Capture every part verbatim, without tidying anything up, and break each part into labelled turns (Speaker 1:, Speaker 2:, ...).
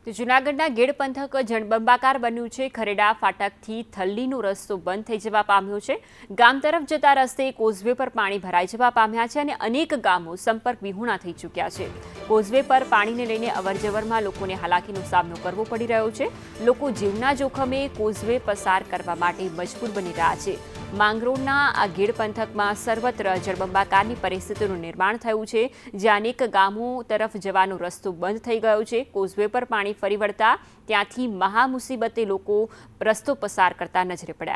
Speaker 1: તો જૂનાગઢના ગેડ પંથક જળબંબાકાર બન્યું છે। ખરેડા ફાટકથી થલ્લીનો રસ્તો બંધ થઈ જવા પામ્યો છે। ગામ તરફ જતા રસ્તે કોઝવે પર પાણી ભરાઈ જવા પામ્યા છે અને અનેક ગામો સંપર્ક વિહોણા થઈ ચૂક્યા છે। કોઝવે પર પાણીને લઈને અવરજવરમાં લોકોને હાલાકીનો સામનો કરવો પડી રહ્યો છે। લોકો જીવના જોખમે કોઝવે પસાર કરવા માટે મજબૂર બની રહ્યા છે। માંગરોળના આ ગેડ પંથકમાં સર્વત્ર જળબંબાકારની પરિસ્થિતિનું નિર્માણ થયું છે, જ્યાં અનેક ગામો તરફ જવાનો રસ્તો બંધ થઈ ગયો છે। કોઝવે પર પાણી ફરી વળતા ત્યાંથી મહા મુસીબતે લોકો રસ્તો પસાર કરતા નજરે પડ્યા।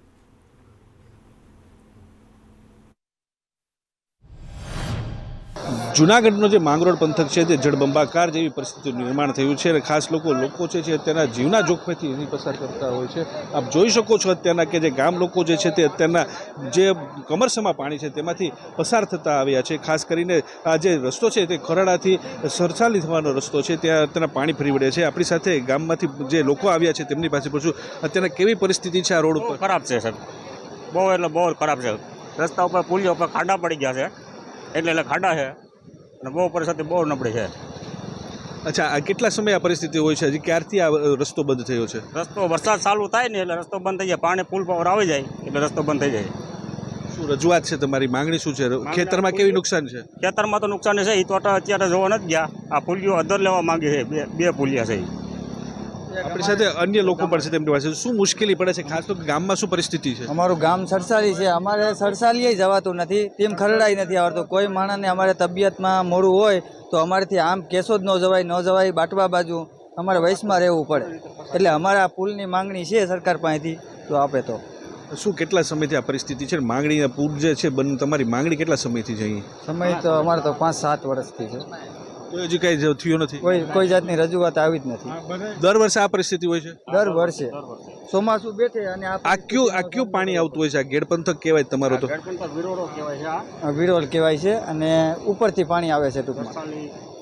Speaker 2: જૂનાગઢનો જે માંગરોળ પંથક છે તે જળબંબાકાર જેવી પરિસ્થિતિનું નિર્માણ થયું છે અને ખાસ લોકો લોકો છે જે અત્યારના જીવના જોખમેથી એની પસાર કરતા હોય છે। આપ જોઈ શકો છો અત્યારના કે જે ગામ લોકો જે છે તે અત્યારના જે કમરસમાં પાણી છે તેમાંથી પસાર થતા આવ્યા છે। ખાસ કરીને આ જે રસ્તો છે તે ખરડાથી સરસાલી થવાનો રસ્તો છે, ત્યાં અત્યારના પાણી ફરી વળે છે। આપણી સાથે ગામમાંથી જે લોકો આવ્યા છે તેમની પાસે પૂછું, અત્યારના કેવી પરિસ્થિતિ છે આ રોડ ઉપર?
Speaker 3: ખરાબ છે સાહેબ, બહુ એટલે બહુ ખરાબ છે। રસ્તા ઉપર પુલિયા ઉપર ખાડા પડી ગયા છે, એટલે એટલે ખાડા છે અને બહુ પરિસ્થિતિ બહુ નબળી છે।
Speaker 2: અચ્છા, આ કેટલા સમય આ પરિસ્થિતિ હોય છે? હજી ક્યારથી આ રસ્તો બંધ થયો છે?
Speaker 3: રસ્તો વરસાદ ચાલુ થાય ને એટલે રસ્તો બંધ થઈ જાય, પાણી પુલ પર આવી જાય એટલે રસ્તો બંધ થઈ જાય।
Speaker 2: શું રજૂઆત છે તમારી? માંગણી શું છે? ખેતરમાં કેવી નુકસાન છે?
Speaker 3: ખેતરમાં તો નુકસાન છે, એ તો અત્યારે જોવા નથી ગયા। આ પુલિયો અધર લેવા માંગે છે, બે બે પુલિયા છે।
Speaker 2: આપણી સાથે અન્ય લોકો પણ છે, તેમની પાસે શું મુશ્કેલી પડે છે? ખાસ તો ગામમાં શું પરિસ્થિતિ છે?
Speaker 4: અમારું ગામ સરસાલી છે, અમારે સરસાલીએ જવાતું નથી, તેમ ખરડાઈ નથી આવતું। કોઈ માણસને અમારે તબિયતમાં મોડું હોય તો અમારેથી આમ કેસો જ ન જવાય ન જવાય બાટવા બાજુ અમારે વયસમાં રહેવું પડે। એટલે અમારે આ પુલની માંગણી છે સરકાર પાસેથી, તો આપે તો
Speaker 2: શું કેટલા સમયથી આ પરિસ્થિતિ છે? માંગણી પૂર જે છે બંધ, તમારી માંગણી કેટલા સમયથી છે? અહીં
Speaker 4: સમય તો અમારે તો પાંચ સાત વર્ષથી છે,
Speaker 2: તો હજી કાંઈ થયું નથી?
Speaker 4: કોઈ કોઈ જાતની રજૂઆત આવી જ નથી।
Speaker 2: દર વર્ષે આ પરિસ્થિતિ હોય છે?
Speaker 4: દર વર્ષે ચોમાસું બેઠે અને
Speaker 2: આ કયું આ કયું પાણી આવતું હોય છે? આ ગેડ પંથક કહેવાય તમારો તો?
Speaker 3: વિરોડો કહેવાય છે,
Speaker 4: આ વિરોલ કહેવાય છે અને ઉપરથી પાણી આવે છે ટૂંકમાં,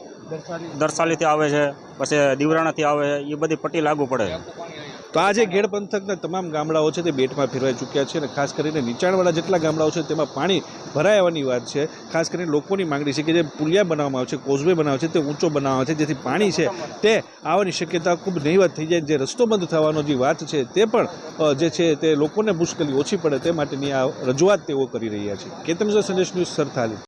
Speaker 3: દરસાલીથી આવે છે, પછી દીવરાણાથી આવે છે, એ બધી પટ્ટી લાગુ પડે છે।
Speaker 2: તો આ જે ગેડ પંથકના તમામ ગામડાઓ છે તે બેટમાં ફેરવાઈ ચૂક્યા છે અને ખાસ કરીને નીચાણવાળા જેટલા ગામડાઓ છે તેમાં પાણી ભરાઈ આવવાની વાત છે। ખાસ કરીને લોકોની માંગણી છે કે જે પુલિયા બનાવવામાં આવે છે, કોઝવે બનાવે છે તે ઊંચો બનાવવામાં આવે છે, જેથી પાણી છે તે આવવાની શક્યતા ખૂબ નહીવત થઈ જાય। જે રસ્તો બંધ થવાનો જે વાત છે તે પણ જે છે તે લોકોને મુશ્કેલી ઓછી પડે તે માટેની આ રજૂઆત તેઓ કરી રહ્યા છે। કેતન સંદેશ ન્યૂઝ, સરથાલી।